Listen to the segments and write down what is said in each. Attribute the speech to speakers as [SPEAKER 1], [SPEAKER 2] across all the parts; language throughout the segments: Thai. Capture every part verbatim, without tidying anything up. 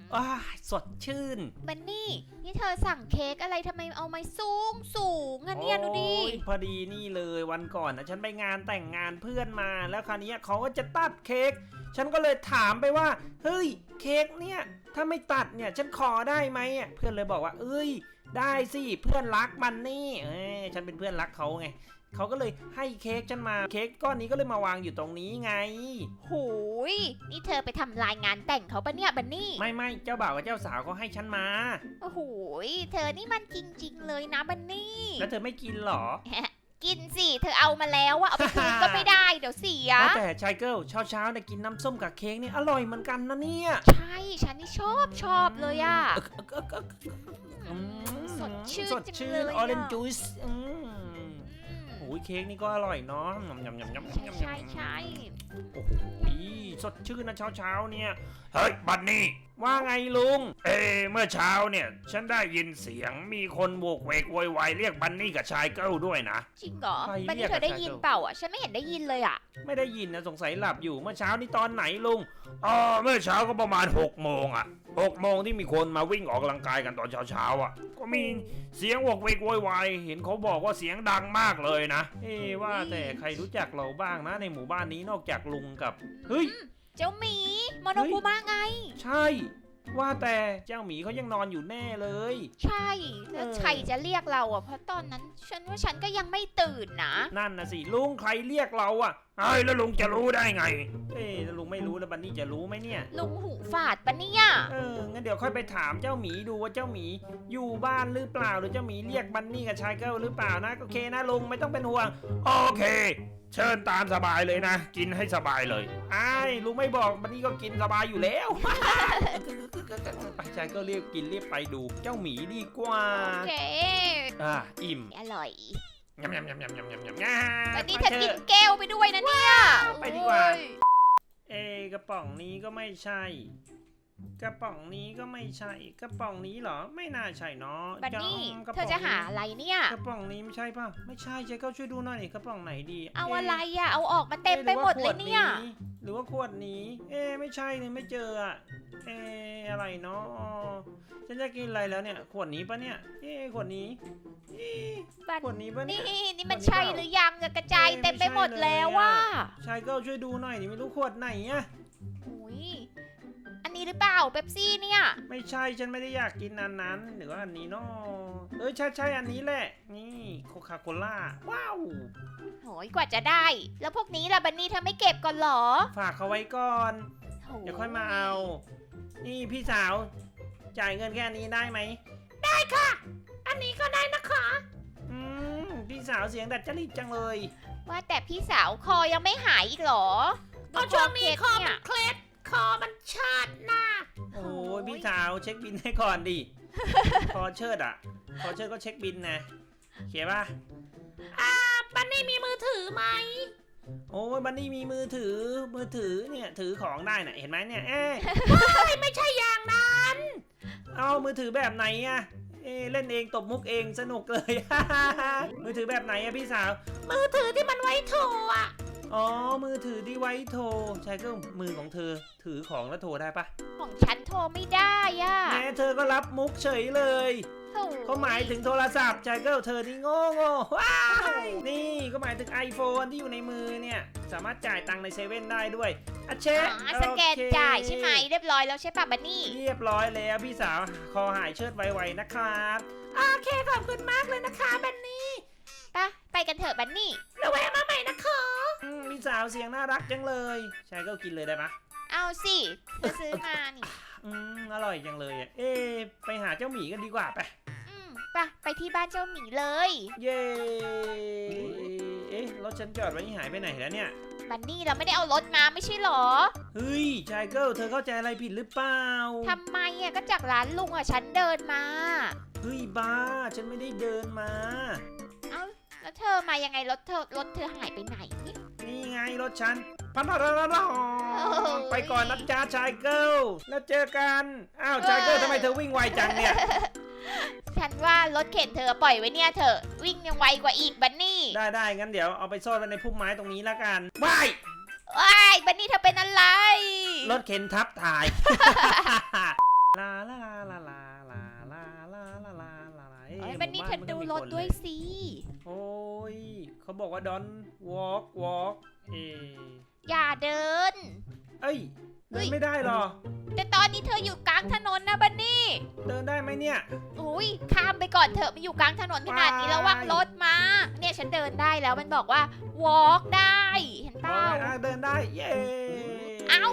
[SPEAKER 1] อ้าสดชื่น
[SPEAKER 2] บันนี่นี่เธอสั่งเค้กอะไรทำไมเอามาสูงสูงอ่ะเนี่ยดูดิ
[SPEAKER 1] พอดีนี่เลยวันก่อนนะฉันไปงานแต่งงานเพื่อนมาแล้วคราวนี้เขาก็จะตัดเค้กฉันก็เลยถามไปว่าเฮ้ยเค้กเนี่ยถ้าไม่ตัดเนี่ยฉันขอได้ไหมอ่ะเพื่อนเลยบอกว่าเอ้ยได้สิเพื่อนรักมันนี่เอ้ยฉันเป็นเพื่อนรักเขาไงเขาก็เลยให้เค้กฉันมาเค้กก้อนนี้ก็เลยมาวางอยู่ตรงนี้ไง
[SPEAKER 2] หูยนี่เธอไปทำลายงานแต่งเขาปะเนี่ยบันนี่
[SPEAKER 1] ไม่ไม่เจ้าบ่าวกับเจ้าสาวเขาให้ฉันมา
[SPEAKER 2] โอ้โหเธอนี่มันจริงๆเลยนะบันนี่
[SPEAKER 1] แล้วเธอไม่กินหรอ
[SPEAKER 2] กินสิเธอเอามาแล้วว่าเอาไปคืนก็ไม่ได้เดี๋ยวเสีย
[SPEAKER 1] แต่ชายเกิลเช้าเช้าเนี่ยกินน้ำส้มกับเค้กนี่อร่อยเหมือนกันนะเนี่ย
[SPEAKER 2] ใช่ฉันนี่ชอบชอบเลยอ่ะสดชื่นจังเลย
[SPEAKER 1] ออเรนจ์จูสโอ้ยเค้กนี่ก็อร่อยเนาะยำยำยำยำ
[SPEAKER 2] ใช่ใช่
[SPEAKER 1] โอ้โหสดชื่นนะเช้าเช้าเนี่ยเฮ้ยบันนี่ว่าไงลุงเอเมื่อเช้าเนี่ยฉันได้ยินเสียงมีคนโวกเวกโวยวายเรียกบันนี่กับชายเกิลด้วยนะ
[SPEAKER 2] จริงเหรอบันนี่เธอได้ยินเปล่าอ่ะฉันไม่เห็นได้ยินเลยอ่ะ
[SPEAKER 1] ไม่ได้ยินนะสงสัยหลับอยู่เมื่อเช้านี่ตอนไหนลุงอ๋อเมื่อเช้าก็ประมาณหกโมงอ่ะหกโมงที่มีคนมาวิ่งออกกำลังกายกันตอนเช้าเช้าอ่ะก็มีเสียงโวกเวกโวยวายเห็นเขาบอกว่าเสียงดังมากเลยนะเอ๊ว่าแต่ใครรู้จักเราบ้างนะในหมู่บ้านนี้นอกจากลุงกับเฮ้ย
[SPEAKER 2] เจ้าหมีโมโนคุมะไง
[SPEAKER 1] ใช่ว่าแต่เจ้าหมีเขายังนอนอยู่แน่เลย
[SPEAKER 2] ใช่แล้วใครจะเรียกเราอ่ะเพราะตอนนั้นฉันว่าฉันก็ยังไม่ตื่นนะ
[SPEAKER 1] นั่นนะสิลุงใครเรียกเราอ่ะไอ้แล้วลุงจะรู้ได้ไงเอ๊ะลุงไม่รู้แล้วบันนี่จะรู้ไหมเนี่ย
[SPEAKER 2] ลุงหูฝาดปะเนี่ย
[SPEAKER 1] เอองั้นเดี๋ยวค่อยไปถามเจ้าหมีดูว่าเจ้าหมีอยู่บ้านหรือเปล่าหรือเจ้าหมีเรียกบันนี่กับชายเกิลหรือเปล่านะโอเคนะลุงไม่ต้องเป็นห่วงโอเคเชิญตามสบายเลยนะกินให้สบายเลยไอ้ลุงไม่บอกบันนี่ก็กินสบายอยู่แล้วไปชายเกิลเรียกกินเรียกไปดูเจ้าหมีดีกว่า
[SPEAKER 2] โอเค
[SPEAKER 1] อ่ะอิ่ม
[SPEAKER 2] อร่อย
[SPEAKER 1] ยำยำยำยำยำยำยำ
[SPEAKER 2] วันนี้เธอกินแก้วไปด้วยนะเนี่ย
[SPEAKER 1] ไปดีกว่าเอกระป๋องนี้ก็ไม่ใช่กระป๋องนี้ก็ไม่ใช่กระป๋องนี้เหรอไม่น่าใช่เนาะ
[SPEAKER 2] บันนี่เธอจะหาอะไรเนี่ย
[SPEAKER 1] กระป๋องนี้ไม่ใช่ป่ะไม่ใช่เจ๊ก็ช่วยดูหน่อยกระป๋องไหนดี
[SPEAKER 2] เอาอะไรอะเอาออกมาเต็มไปหมดเลยเนี่ย
[SPEAKER 1] หรือว่าขวดนี้เอ๊ไม่ใช่เนี่ยไม่เจออะเอ๊อะไรเนาะฉันจะกินอะไรแล้วเนี่ยขวดนี้ปะเนี่ยเอ๊ขวดนี้ขวดนี้ปะเนี่ย
[SPEAKER 2] นี่นี่มันใช่หรือยังกระจายเต็มไปหมดแล้วว่า
[SPEAKER 1] ชายก็ช่วยดูหน่อยนี่ไม่รู้ขวดไหนอะ
[SPEAKER 2] อุ้ยอันนี้หรือเปล่าเป๊ปซี่เนี่ย
[SPEAKER 1] ไม่ใช่ฉันไม่ได้อยากกินอันนั้นหรือว่าอันนี้เนาะเออใช่ใช่อันนี้แหละนี่โคคาโคล่าว้าว
[SPEAKER 2] โหยกว่าจะได้แล้วพวกนี้ล่ะบันนี่เธอไม่เก็บก่อนหรอ
[SPEAKER 1] ฝากเขาไว้ก่อนเดี๋ยวค่อยมาเอานี่พี่สาวจ่ายเงินแค่นี้ได้ไหม
[SPEAKER 2] ได้ค่ะอันนี้ก็ได้นะคะ
[SPEAKER 1] อืมพี่สาวเสียงดัดจริตจังเลย
[SPEAKER 2] ว่าแต่พี่สาวคอยังไม่หายอีกหรอ
[SPEAKER 3] ก็ช่วงนี้คอมันเคล็ดคอมันเชิดหน้า
[SPEAKER 1] โอ้ยพี่สาวเช็คบินให้ก่อนดิคอเชิดอ่ะคอเชิดก็เช็คบินนะเขียนป่ะ
[SPEAKER 3] อ่าบันนี่มีมือถือไหม
[SPEAKER 1] โอ้ยบันนี่มีมือถือมือถือเนี่ยถือของได้น่ะเห็นไหมเนี่ยเอ๊ะ
[SPEAKER 3] ไม่ใช่อย่างนั้น
[SPEAKER 1] เอามือถือแบบไหนอะเอ๊เล่นเองตบมุกเองสนุกเลยมือถือแบบไหนอะพี่สาว
[SPEAKER 3] มือถือที่มันไว้โทรอะ
[SPEAKER 1] อ๋อมือถือที่ไว้โทรใช่ก็มือของเธอถือของแล้วโทรได้ปะ
[SPEAKER 2] ของฉันโทรไม่ได้อะ
[SPEAKER 1] แม่เธอก็รับมุกเฉยเลยเขาหมายถึงโทรศัพท์ใช่ก็เธอนี่โง่โง่ว้าวนี่ก็หมายถึง iPhone ที่อยู่ในมือเนี่ยสามารถจ่ายตังค์ในเซเว่นได้ด้วยอ่ะเช็ค
[SPEAKER 2] สแกนจ่ายใช่ไหมเรียบร้อยแล้วใช่ป่ะบันนี่
[SPEAKER 1] เรียบร้อยแล้วพี่สาวคอหายเชิดไวๆนะครับ
[SPEAKER 3] โอเคขอบคุณมากเลยนะคะบันนี่
[SPEAKER 2] ไปไปกันเถอะบันนี่
[SPEAKER 3] เราแวะมาใหม่นะคะ
[SPEAKER 1] พี่สาวเสียงน่ารักจังเลยใช่ก็กินเลยได้ปะ
[SPEAKER 2] เอาสิจะซื้อมานี่
[SPEAKER 1] อืมอร่อยจังเลยอ่ะเอ๊ไปหาเจ้าหมีกันดีกว่าไป
[SPEAKER 2] อืมไปไปที่บ้านเจ้าหมีเลย
[SPEAKER 1] เย่เอ๊ะรถฉันจอดไว้นี่หายไปไหนแล้วเนี่ย
[SPEAKER 2] บันนี่เราไม่ได้เอารถมาไม่ใช่หรอ
[SPEAKER 1] เฮ้ยชายเกิลเธอเข้าใจอะไรผิดหรือเปล่า
[SPEAKER 2] ทำไมอ่ะก็จากร้านลุงอ่ะฉันเดินมา
[SPEAKER 1] เฮ้ยบ้าฉันไม่ได้เดินมา
[SPEAKER 2] เอ้าแล้วเธอมายังไงรถเธอรถเธอหายไปไหน
[SPEAKER 1] นี่ไงรถฉันพันธะไปก่อนนะจ้าชายเกิลแล้วเจอกันอ้าวชายเกิลทำไมเธอวิ่งไวจังเนี่ย
[SPEAKER 2] ฉันว่ารถเข็นเธอปล่อยไว้เนี่ยเธอวิ่งยังไวกว่าอีกบันนี่
[SPEAKER 1] ได้ได้งั้นเดี๋ยวเอาไปซ่อนไว้ในพุ่มไม้ตรงนี้แล้วกันว้าย
[SPEAKER 2] ว้ายบันนี่เธอเป็นอะไร
[SPEAKER 1] รถเข็นทับถ่ายลาลาลาลาลาลาลาลาลาลาลา
[SPEAKER 2] เอ้ยบันนี่เธอดูรถด้วยสิ
[SPEAKER 1] โอ้ยเขาบอกว่า don't walk walk เอ
[SPEAKER 2] อย่าเดิน
[SPEAKER 1] เอ้ยเดินไม่ได้หรอ
[SPEAKER 2] แต่ตอนนี้เธออยู่กลางถนนนะบันนี่
[SPEAKER 1] เดินได้ไหมเนี่ย
[SPEAKER 2] อุ้ยข้ามไปก่อนเถอะมันอยู่กลางถนนขนาดนี้ระวังรถมาเนี่ยฉันเดินได้แล้วมันบอกว่า walk ได้เห็นเปล่า
[SPEAKER 1] อ่ะเดินได้เย้
[SPEAKER 2] เอ้า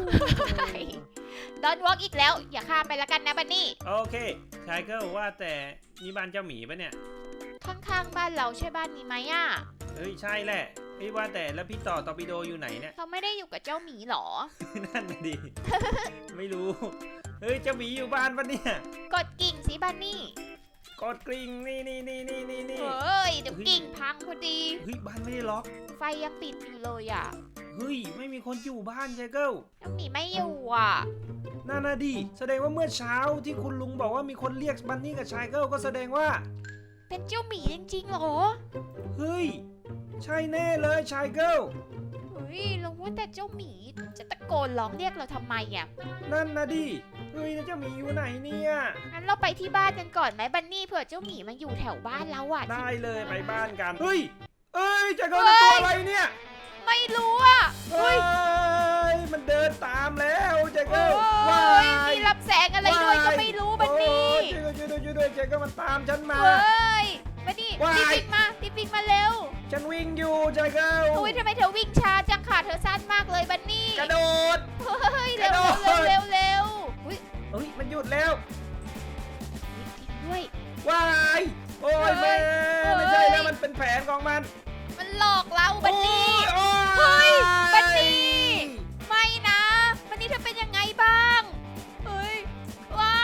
[SPEAKER 2] ดอนวอล์กอีกแล้ว อย่าข้ามไปละกันนะบันนี่
[SPEAKER 1] โอเคชายก็ว่าแต่นี่บ้านเจ้าหมีปะเนี่ย
[SPEAKER 2] ข้างๆบ้านเราใช่บ้านนี้ไหมอ่ะ
[SPEAKER 1] เฮ้ยใช่แหละพี่ว่าแต่แล้วพี่ต่อตอร์ปิโดอยู่ไหนเนี่ย
[SPEAKER 2] เขาไม่ได้อยู่กับเจ้าหมีหรอ
[SPEAKER 1] นั่นน่ะดิ ไม่รู้ เฮ้ยเจ้าหมีอยู่บ้านปะเนี่ย
[SPEAKER 2] กดกิ่งสิบันนี่
[SPEAKER 1] กดกริ่งนี่นี่นี่นี่นี่นี่
[SPEAKER 2] เฮ้ยเดี๋ยวกิ่งพังพอดี
[SPEAKER 1] เฮ้ยบ้านไม่ได้ล็อก
[SPEAKER 2] ไฟยังปิดอยู่เลยอ่ะ
[SPEAKER 1] เฮ้ยไม่มีคนอยู่บ้านชายเกิล
[SPEAKER 2] เจ้าหมีไม่อยู่อ่ะ
[SPEAKER 1] นั่นน่ะดิแสดงว่าเมื่อเช้าที่คุณลุงบอกว่ามีคนเรียกบันนี่กับชายเกิลก็แสดงว่า
[SPEAKER 2] เป็นเจ้าหมีจริงๆเหรอ
[SPEAKER 1] เฮ้ยใช่แน่เลยชายเกิล
[SPEAKER 2] เฮ้ยแล้วว่าแต่เจ้าหมีจะตะโกนร้องเรียกเราทำไมอ่ะ
[SPEAKER 1] นั่นนะดิเฮ้ยแล้วเจ้าหมีอยู่ไหนเนี่ย
[SPEAKER 2] งั้นเราไปที่บ้านกันก่อนไหมบันนี่เผื่อเจ้าหมีมาอยู่แถวบ้านเราอ่ะ
[SPEAKER 1] ได้เลยไปบ้านกันเฮ้ยเอ้ยชายเกิลเป็นตัวอะไรเนี่ย
[SPEAKER 2] ไม่รู้อ่ะ
[SPEAKER 1] เฮ้ยมันเดินตามแล้วชาย
[SPEAKER 2] โอ้
[SPEAKER 1] เกิลว้าย
[SPEAKER 2] มีรับแสงอะไรด้วยก็ไม่รู้บันนี่
[SPEAKER 1] โอ้ยช่วยด้วยช่วยด้วยช่วยด้วยชายเกิลมันตามฉันมา
[SPEAKER 2] เฮ้ยบันนี่
[SPEAKER 1] ว้าย
[SPEAKER 2] รีบวิ่งมารีบวิ่งมาเร็ว
[SPEAKER 1] ฉันวิ่งอยู่ชายเกิล
[SPEAKER 2] อุ้ยทำไมเธอวิ่งช้าจังขาเธอสั้นมากเลยบันนี่
[SPEAKER 1] กระโดด
[SPEAKER 2] เฮ้ย
[SPEAKER 1] กระ
[SPEAKER 2] เร็ว
[SPEAKER 1] โดด
[SPEAKER 2] เร็วเร็วเร็วอุ้ย
[SPEAKER 1] เฮ้ยมันหยุดแล้ว
[SPEAKER 2] จริงด้วย
[SPEAKER 1] ว้ายโอ้ยแม่ไม่ใช่แล้วมันเป็นแผนของมัน
[SPEAKER 2] มันหลอกเราบันนี่
[SPEAKER 1] โอ้ย
[SPEAKER 2] เฮ้ยบันนี่ ไม่นะบันนี่เธอเป็นยังไงบ้างเฮ้ยว้าย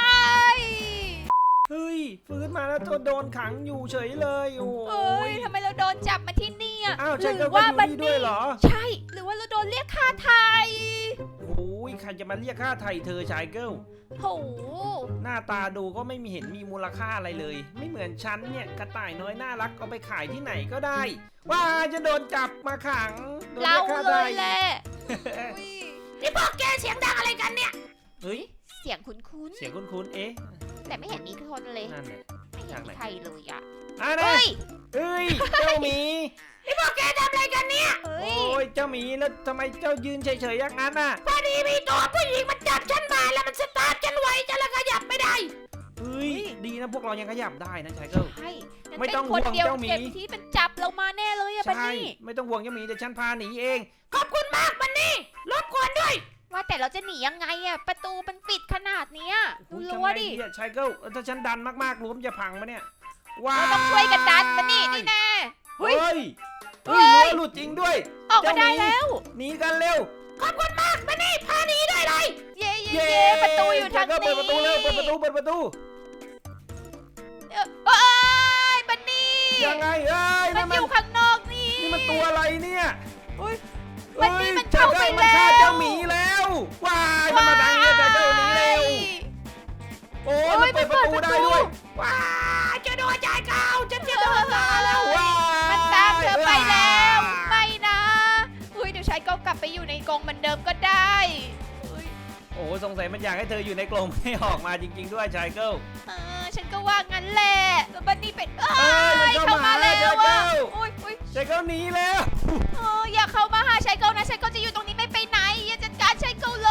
[SPEAKER 1] เฮ้ยฟื้นมาแล้วตัวโดนขังอยู่เฉยเลยโอ้
[SPEAKER 2] เฮ้ย
[SPEAKER 1] ย
[SPEAKER 2] ทำไมเราโดนจับมาที่นี่อ่ะ
[SPEAKER 1] อ้าว
[SPEAKER 2] ห
[SPEAKER 1] ใช่
[SPEAKER 2] รื
[SPEAKER 1] ก็
[SPEAKER 2] อว่า
[SPEAKER 1] อยู่
[SPEAKER 2] บัน
[SPEAKER 1] นี่ด้ว
[SPEAKER 2] นี่
[SPEAKER 1] ยเหรอ
[SPEAKER 2] ใช่ หรือว่าเราโดนเรียกค่าไทย
[SPEAKER 1] โอ้ยใครจะมาเรียกค่าไถ่เธอชายเกิล
[SPEAKER 2] โห
[SPEAKER 1] หน้าตาดูก็ไม่มีเห็นมีมูลค่าอะไรเลย ไม่เหมือนฉันเนี่ยกระต่ายน้อยน่ารักเอาไปขายที่ไหนก็ได้ ว่าจะโดนจับมาขังโดน
[SPEAKER 2] เรา
[SPEAKER 1] ยกค่า
[SPEAKER 2] เล
[SPEAKER 1] ไถ่
[SPEAKER 2] ยแหละ
[SPEAKER 3] นี่พวกแกเสียงดังอะไรกันเนี่ย
[SPEAKER 1] เฮ้ย
[SPEAKER 2] เสียงคุ้น
[SPEAKER 1] เสียงคุ้นๆเอ๊ะ
[SPEAKER 2] ๆแต่ไม่เห็นมีคนเลย
[SPEAKER 1] นั่นแหละ
[SPEAKER 2] ไม่เห็นมีใครเลยอ่ะ
[SPEAKER 1] อ่ะนะ
[SPEAKER 2] เฮ้ย
[SPEAKER 1] เอ้ยเจ้าหมี
[SPEAKER 3] นี่พวกแกทำอะไรกันเนี่ย
[SPEAKER 2] เฮ้
[SPEAKER 1] โอ้
[SPEAKER 2] ย
[SPEAKER 1] ยเจ้าหมีแล้วทำไมเจ้ายืนเฉยๆอย่างนั้นน่ะ
[SPEAKER 3] พอดีมีตัวผู้หญิงมันจับฉันมาแล้วมันสตาร์ทฉันไว้ฉันแล้วขยับไม่ได้
[SPEAKER 1] เฮ้ยดีนะพวกเรายังขยับได้นะชายเกิล
[SPEAKER 2] ใช่งั้น
[SPEAKER 1] ไม่ต้อง
[SPEAKER 2] เป็นคนเดียว
[SPEAKER 1] ห่วงเจ้าหมี
[SPEAKER 2] เจ็บที่เป็นจับเรามาแน่เลยอะบัน
[SPEAKER 1] ใช่
[SPEAKER 2] นี่
[SPEAKER 1] ไม่ต้องห่วงเจ้าหมีเดี๋ยวฉันพาหนีเอง
[SPEAKER 3] ขอบคุณมากบันนี่รบกวนด้วย
[SPEAKER 2] ว่าแต่เราจะหนียังไงอะประตูมันปิดขนาดเนี้ยดู
[SPEAKER 1] อุ๊ย
[SPEAKER 2] รั้วดิ
[SPEAKER 1] ทำไงอะชายเกิลเออถ้าฉันดันมากๆรั้วมันจะพังไหมเนี่ยว้า
[SPEAKER 2] เราต้องช่วยกันดันบันนี่นี่แน่
[SPEAKER 1] เฮ้ย
[SPEAKER 2] เฮ้
[SPEAKER 1] เฮ้
[SPEAKER 2] ย
[SPEAKER 1] ยรั้วหลุดจริงด้วย
[SPEAKER 2] ออกมาได้แล้ว
[SPEAKER 1] หนีกันเร็ว
[SPEAKER 3] ขอบคุณมากบันนี่พาหนีได้เลย
[SPEAKER 2] เย่เย่เย่ประตูอยู่ทาง
[SPEAKER 1] ชายเกิล
[SPEAKER 2] นี้
[SPEAKER 1] เปิดประตูเร็วเปิดประตูเปิดประตู
[SPEAKER 2] เอ้ยเอ้ยบันนี่
[SPEAKER 1] ยังไงเอ้ย
[SPEAKER 2] มัน
[SPEAKER 1] นั่น
[SPEAKER 2] อยู่ข้างนอกนี่
[SPEAKER 1] นี่มันตัวอะไรเนี่ย
[SPEAKER 2] อุ๊ย
[SPEAKER 1] ฮ้ย
[SPEAKER 2] มันนี่มันเข้าไป
[SPEAKER 1] ชยกิลมันฆ่า
[SPEAKER 2] แล้ว
[SPEAKER 1] เจ้าหมีแล้วว้ายมันมาดังเนี่ยชายเกิลหนีเร็วโอ้ยมันเปิดประตูได้ด้วย
[SPEAKER 3] ว้าจะโดนจ่ายเก่าฉันจะโดนตาแล้ว
[SPEAKER 1] ว้าย
[SPEAKER 2] มันตามเธอไปแล้วไม่นะอุ้ยเดี๋ยวชายก็กลับไปอยู่ในกรงเหมือนเดิมก็ได้อุ๊ย
[SPEAKER 1] โอ้สงสัยมันอยากให้เธออยู่ในกรงไม่ออกมาจริง ๆ ด้วยชายเกิล
[SPEAKER 2] เออฉันก็ว่างั้นแหละแล้วบันนี่เป็นเอ้
[SPEAKER 1] เอ้ยมัน
[SPEAKER 2] ย
[SPEAKER 1] เข้า
[SPEAKER 2] เข้ามา
[SPEAKER 1] มา
[SPEAKER 2] แล้ว
[SPEAKER 1] แล้ว
[SPEAKER 2] อ่ะ
[SPEAKER 1] ชายเกิล
[SPEAKER 2] อุ้ยอุ้ย
[SPEAKER 1] ชายเกิลหนีแล้ว
[SPEAKER 2] เอออย่าเข้ามาหาชายเกิลนะชายเกิลจะอยู่ตรงนี้ไม่ไปไหนอย่าจัดการชายเกิลเลย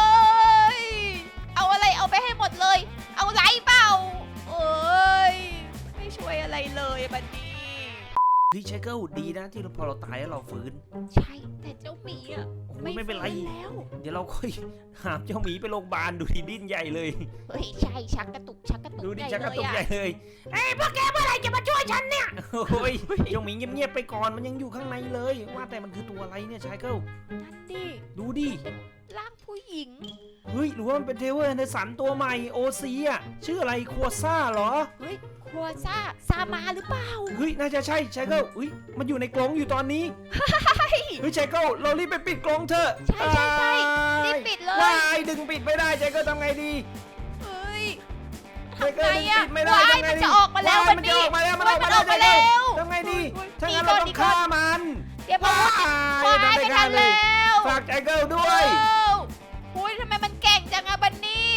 [SPEAKER 2] เอาอะไรเอาไปให้หมดเลย เอาไรเปล่าเอ้ยไม่ช่วยอะไรเลยบันนี่
[SPEAKER 1] พี่ชายเกิลดีนะที่เราพอเราตายแล้วเราฟื้น
[SPEAKER 2] ใช่แต่เจ้าหมีอ่ะ
[SPEAKER 1] โอ้ยไม่เป็นไร
[SPEAKER 2] ฟื้แล้ว
[SPEAKER 1] เดี๋ยวเราค่อยหามเจ้าหมีไปโรงพยาบาลดูดิดิ้นใหญ่เลย
[SPEAKER 2] เฮ้ยใช่ชักกระตุกชักกระตุก
[SPEAKER 1] ดูดิ
[SPEAKER 2] ใหญ่
[SPEAKER 1] ชักกระตุก
[SPEAKER 2] เลย
[SPEAKER 1] ใหญ่
[SPEAKER 2] อะ
[SPEAKER 1] เลย
[SPEAKER 3] เอ้ยพวกแกเมื่อไหร่จะมาช่วยฉันเนี่ย
[SPEAKER 1] โอ้ยเจ้าหมีเงียบๆไปก่อนมันยังอยู่ข้างในเลย ว่าแต่มันคือตัวอะไรเนี่ยชายเกิล
[SPEAKER 2] นั่นดิ
[SPEAKER 1] ดูดิ
[SPEAKER 2] ร่างผู้หญิง
[SPEAKER 1] เฮ้ยหรือว่ามันเป็นเทเวอร์ในสันตัวใหม่โอซีอ่ะชื่ออะไรคัวซ่าเหรอ
[SPEAKER 2] เฮ้ยครัวซ่าซามาหรือเปล่า
[SPEAKER 1] เฮ้ยน่าจะใช่ชายเกิลเฮ้ยมันอยู่ในกรงอยู่ตอนนี้เฮ้ยชายเกิลเรารีบไปปิดกรงเถอะ
[SPEAKER 2] ใช่ใช่ใช่รีบปิดเลย
[SPEAKER 1] ว้ายดึงปิดไม่ได้ชายเกิลทำไงดี
[SPEAKER 2] เฮ้ย
[SPEAKER 1] ชาย
[SPEAKER 2] ทำ
[SPEAKER 1] เกิ
[SPEAKER 2] ไง
[SPEAKER 1] ลดึง
[SPEAKER 2] อะ
[SPEAKER 1] ปิดไม่ได้
[SPEAKER 2] ว้าย
[SPEAKER 1] ทำไง
[SPEAKER 2] มัน
[SPEAKER 1] ดี
[SPEAKER 2] จะออกมาแล้ว
[SPEAKER 1] ว้ย
[SPEAKER 2] วัน
[SPEAKER 1] มัน
[SPEAKER 2] นี้
[SPEAKER 1] จะออกมาแล้วมันอ
[SPEAKER 2] ว้า
[SPEAKER 1] อย ก
[SPEAKER 2] มั
[SPEAKER 1] มาน
[SPEAKER 2] อ
[SPEAKER 1] แล้ว
[SPEAKER 2] อก
[SPEAKER 1] ชาย
[SPEAKER 2] มา
[SPEAKER 1] เกิ
[SPEAKER 2] แล้
[SPEAKER 1] ล
[SPEAKER 2] ว
[SPEAKER 1] ทำไงดี
[SPEAKER 2] อุ๊ย
[SPEAKER 1] ถ้างั้น
[SPEAKER 2] ห
[SPEAKER 1] เรา
[SPEAKER 2] ก่
[SPEAKER 1] ต้องฆ่ามัน
[SPEAKER 2] เดี๋ยวมา
[SPEAKER 1] ว้าย
[SPEAKER 2] ว้าย
[SPEAKER 1] ทำ
[SPEAKER 2] ไม่
[SPEAKER 1] ไม่
[SPEAKER 2] ทั
[SPEAKER 1] ได้
[SPEAKER 2] น
[SPEAKER 1] เลย
[SPEAKER 2] แล้ว
[SPEAKER 1] ฝากชายเกิลด้วย
[SPEAKER 2] โอ้อุ้ยทำไมมันเก่งจังอะบันนี่
[SPEAKER 1] น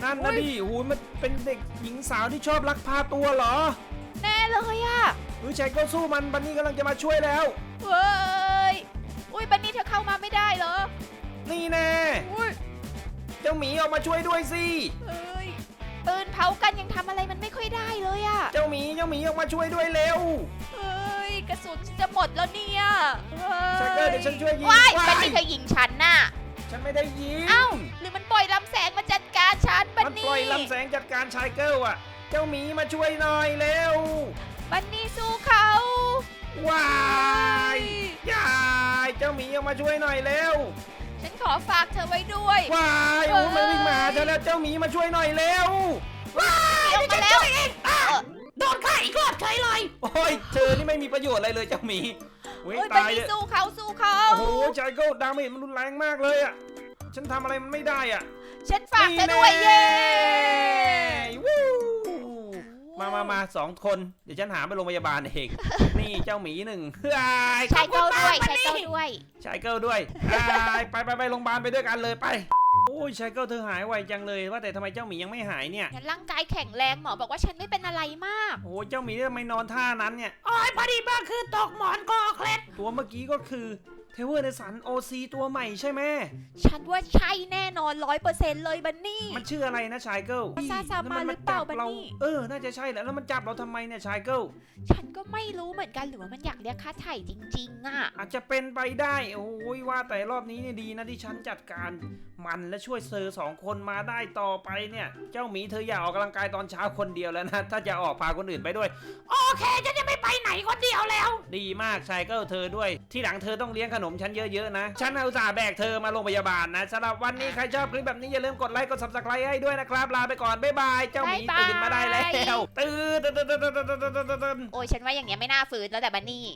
[SPEAKER 1] นั่นนะดิโอ้ยมันเป็นเด็กหญิงสาวที่ชอบลักพาตัวเหรอ
[SPEAKER 2] แน่เลยอะ
[SPEAKER 1] เฮ้ยชายเกิลสู้มันบันนี่กำลังจะมาช่วยแล้ว
[SPEAKER 2] เฮ้ยอุ้ยบันนี่เธอเข้ามาไม่ได้เหรอ
[SPEAKER 1] นี่แน่
[SPEAKER 2] อุ้ย
[SPEAKER 1] เจ้าหมีออกมาช่วยด้วยสิ
[SPEAKER 2] เอ้ยปืนเผากันยังทำอะไรมันไม่ค่อยได้เลยอะ
[SPEAKER 1] เจ้าหมีเจ้าหมีออกมาช่วยด้วยเร็ว
[SPEAKER 2] เฮ้ยกระสุนจะหมดแล้วเนี่ยฮ้
[SPEAKER 1] ชายเกิลเดี๋ยวฉันช่วยยิง
[SPEAKER 2] ว้าย
[SPEAKER 1] ว้าย
[SPEAKER 2] บันนี่เธอยิงฉันน่ะ
[SPEAKER 1] ฉันไม่ได้ยิง
[SPEAKER 2] เอ้าหรือมันปล่อยลำแสงมาจัดการฉันบัน
[SPEAKER 1] มัน
[SPEAKER 2] นี่
[SPEAKER 1] ปล่อยลำแสงจัดการชายเกิลอ่ะ เจ้าหมีมาช่วยหน่อยเร็ว
[SPEAKER 2] บันนี่สู้เขา
[SPEAKER 1] ว้ายยายเจ้าหมีออกมาช่วยหน่อยเร็ว
[SPEAKER 2] ฉันขอฝากเธอไว้ด้วย
[SPEAKER 1] ว้ายโอ้ยมันวิ่งมาเธอแล้วเจ้าหมีมาช่วยหน่อยเร็ว
[SPEAKER 2] ลงมาแล้ว
[SPEAKER 3] โดนฆ่าอีกรอบเฉยเลย
[SPEAKER 1] โอ้ยเธอนี่ไม่มีประโยชน์อะไรเลยเจ้าหมีเว้ย
[SPEAKER 2] โอ้ยบัน
[SPEAKER 1] ตาย
[SPEAKER 2] นี่
[SPEAKER 1] เลย
[SPEAKER 2] สู้เขาสู้เขา
[SPEAKER 1] โอ้โหชายเกิลดาเมจมันรุนแรงมากเลยอ่ะ ฉันทำอะไรมันไม่ได้อ่ะ
[SPEAKER 2] ฉันฝากเธอด้วยเย้
[SPEAKER 1] วู้มามามาสองคน เดี๋ยวฉันหาไปโรงพยาบาลเอง นี่เจ้าหมีหนึ่งเฮ้ย
[SPEAKER 2] ชายเก้าด้วยชายเก้าด้วย
[SPEAKER 1] ชายเกิลด้วยไปไปไปไปโรงพยาบาลไปด้วยกันเลยไป โอ้ยชายเกิลเธอหายไวจังเลยว่าแต่ทำไมเจ้าหมียังไม่หายเนี่ย
[SPEAKER 2] ฉันร่างกายแข็งแรงหมอบอกว่าฉันไม่เป็นอะไรมาก
[SPEAKER 1] โอ้ยเจ้าหมีทำไมนอนท่านั้นเนี่ย
[SPEAKER 3] โอ้ยพอดีบ้าคือตกหมอนคอเคล็ด
[SPEAKER 1] ตัวเมื่อกี้ก็คือเทเวอร์ในสันโอซีตัวใหม่ใช่ไหม
[SPEAKER 2] ฉันว่าใช่แน่นอนร้อยเปอร์เซ็นต์เลยบันนี่
[SPEAKER 1] มันชื่ออะไรนะชายเกิล
[SPEAKER 2] ซาซามาหรือเปล่าบันนี่
[SPEAKER 1] เออ น่าจะใช่แหละแล้วมันจับเราทำไมเนี่ยชายเกิล
[SPEAKER 2] ฉันก็ไม่รู้เหมือนกันหรือว่ามันอยากเรียกค่าไถ่จริงๆอ่ะ
[SPEAKER 1] อาจจะเป็นไปได้ โอ้ยว่าแต่รอบนี้เนี่ยดีนะที่ฉันจัดการมันและช่วยเซอร์สองคนมาได้ต่อไปเนี่ย เจ้าหมีเธออย่าออกกำลังกายตอนเช้าคนเดียวแล้วนะ ถ้าจะออกพาคนอื่นไปด้วย
[SPEAKER 3] โอเคฉันจะไม่ไปไหนคนเดียวแล้ว
[SPEAKER 1] ดีมากชายเกิลเธอด้วย ที่หลังเธอต้องเลี้ยงขนมฉันเยอะๆนะ ฉันเอาอุตส่าห์แบกเธอมาโรงพยาบาลนะสำหรับวันนี้ใครชอบคลิปแบบนี้อย่าลืมกดไลค์กด ซับสไครบ์ ให้ด้วยนะครับลาไปก่อนบ๊ายบายเจ้าหมี
[SPEAKER 2] บ๊ายบาย
[SPEAKER 1] ตื่นมาได้แล้วตื่นตื่นตื่นตื่นตื่นตื่นตื่น
[SPEAKER 2] โอ้ยฉันว่าอย่างเงี้ยไม่น่าฝืนแล้วแต่บันนี่